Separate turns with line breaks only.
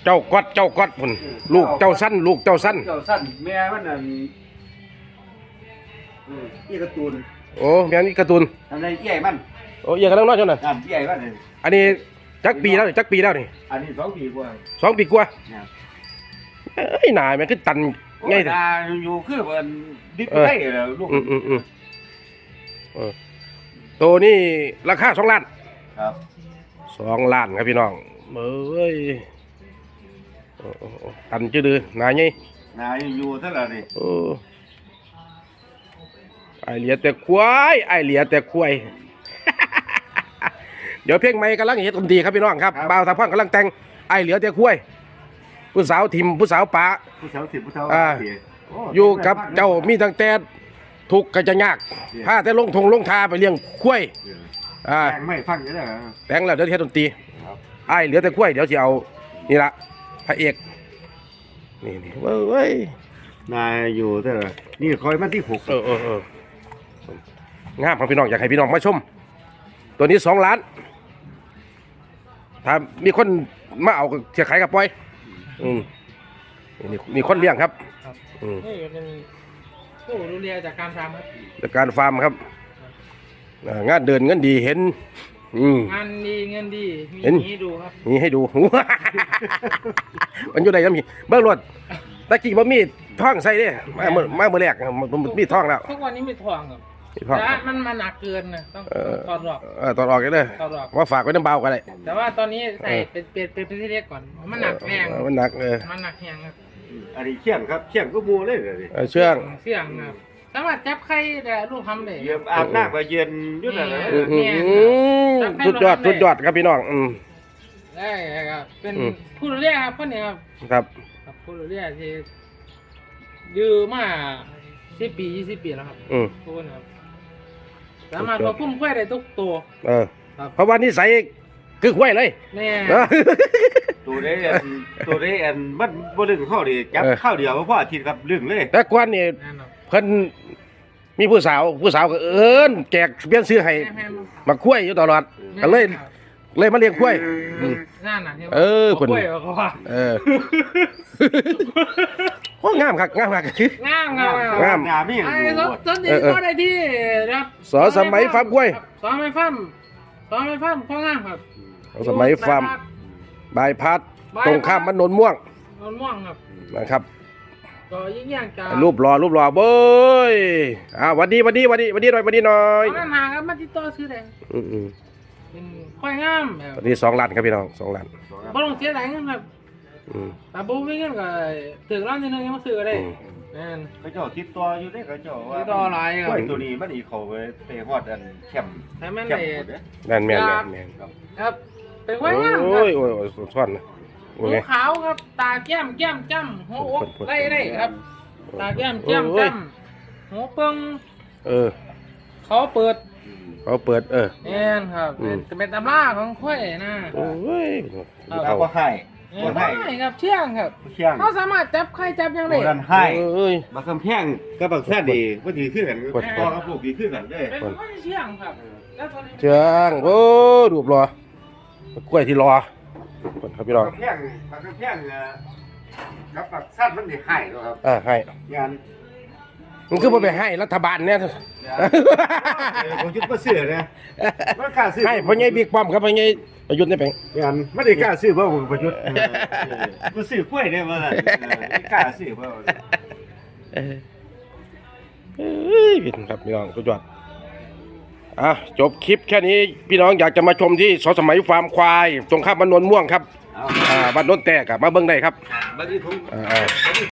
เจ้าก๊อดพุ่นลูกเจ้าสั้น
แม่มันนั่นอีการ์ตูน
โอ้แม่นี่การ์ตูน
ทำไรใหญ่มัน
โอ้ยกันน้อยๆจังน่ะ
ใหญ่มัน
อันนี้จักปีแล้วนี่
อันนี้2 ปีกว่า
2 ปีกว่าเอ้ยหนาแม่คือตันไง
แต่อยู่คือมันดิบได้ลูก
ตัวนี้ราคา2 ล้าน
ครับ
2 ล้านครับพี่น้องเอ้ยตันจืดหนาไง
อยู่เท่าไหร่นี่
ไอเหลียแต่ควายเดี๋ยวเพลงใหม่กำลังเฮ็ดดนตรีครับพี่น้องครับบ่าวทางพ่อนกำลังแต่งไอเหลียแต่ควายผู้สาวทิมผู้สาวป๋า
ผู้สาว10ผู้สาว
อยู่กับเจ้ามีตั้งแต่ทุกข์ก็จะยากพาแต่ลงทาไปเลี้ยงควาย
แต่งไม่ฟังได้
แต่งแล้วเดี๋ยวเฮ็ดดนตรีไอเหลียแต่ควายเดี๋ยวสิเอานี่ละพระเอกนี่เว้ย
นายอยู่เท่าไหร่นี่คอยมาที่6
งามครับพี่น้องอยากให้พี่น้องมาชมตัวนี้2 ล้านถ้ามีคนมาเอาเสียขายกับปล่อยนี่คนเลี้ยงครับ
นี่เป็นผู้ดูแลจากการฟาร์มครับ
จากการฟาร์มครับงานเดินเงินดีเห็น
งานดีเงินดีมีให้ดูครับ
มีให้ดูมันอยู่ไหนครับมีเบื้องรถตะกี้บ่มีท่องใส่เด้มาเมื่อแรกมีท่องแล้ว
ทุกวันนี้มีท่องครับแต่มันหนักเกินนะต้องถอดออก
ถอดออกกันเลยว่าฝากไว้น้ำเบากันเลย
แต่ว่าตอนนี้ใส่เป็นที่เล็กก่อนมันหนักแรง
มันหนัก
มันหนักแรงครับ
อันนี้เชี่ยงครับเชี่ยงก็มัวเลย
เชื่อง
ครับสามารถจับไข่แต่ลูกทำได้
เยี่ยมอาบน้ำไปเย็นยุ่งอะไร
สุดยอดครับพี่น้อง
ได้ครับเป็นผู้ดูแลครับคนนี้
ครับ
ผู้ดูแลที่ยืมมา10 ปี20 ปีแล้วครับทุกคนครับสามารถควบคุมควายได้ทุกตัว
เพราะว่านิสัยคือควายเลย
แน่
ตัวได้มันบ่ลึงเข้าดิจับข้าวเดียวเพราะอาทิตย์ครับลึงเลย
แต่กวนนี่เพิ่นมีผู้สาวก็แจกเปลี่ยนซื้อให้มาควายอยู่ตลอดก็เลยมาเลี้ยงควาย
นั่นน่ะ
เพิ่นโอ้งามครับ
งาม
นี่
ต้นนี้ก็ได้ที่ครับ
สมัยฟาร์มควาย
สมัยฟาร์มพ่องามครับ
สมัยฟาร์มบายพัดตรงข้ามมันนนม่วง
ครับ
นะครับ
ก็ยิ่งอย่างจะ
รูปหล่อเบ้ยวันดีหน่อย
นั่นหาครับมาติดต่อซื้อได้เป็นควายงาม
ตอนนี้2 ล้านครับพี่น้อง2 ล้าน
บ่ต้องเสียหลายเงินครับแต่บ่มีเงินก็ถึงล้านที่นึงยังมาซื้อได้
เขาเจ้าติดต่ออยู่ได้เขาเจ้าว่า
ติดต่อหลายครับ
ตัวนี้มันอีเขาไปฮอดอันแคมป์
ให้มันได้
แม่น
ครับเป็นควายงาม
โอ้ยซ่อนนะ
หัวขาวครับตาแก้มจ้ำหัวอกได้ครับตาแก้มจ้ำหัวเปิงเขาเปิดแน่นครับเป็นตำราของควายนะ
โอ้ย
เอาว่าไข่
ครับเชี่ยงครับเขาสามารถจับไข่จับยังไง
ให้มาคำแพงกับบักแซ่ดีว่าดีขึ้นกันพ่อกับลูกดีขึ้นกันได้
เป็นคนเชี่ยงครับ
เชี่ยงโอ้รูปรอกล้วยที่รอครับพี่น้อง
มาคำแพงกับบักแซ่มันดีให้ครับ
ให้
งาน
มันคือไปให้รัฐบาลเนี่ย
ผมยุดมาซื้อเนี่ยมันกล้าซื้อ
ให้พ่อใหญ่บิ๊กป้อมครับพ่อใหญ่ประยุทธ์ได้เป็น
งานไม่ได้กล้าซื้อเพราะผมประยุทธ์มาซื้อกล้วยเนี่ยมาไม่กล้าซื้อเพราะ
พี่ครับพี่น้องสุดยอดจบคลิปแค่นี้พี่น้องอยากจะมาชมที่สมัยฟาร์มควายตรงข้ามบ้านนนม่วงครับบ้านนนแตกมาเบิ้งได้ครับ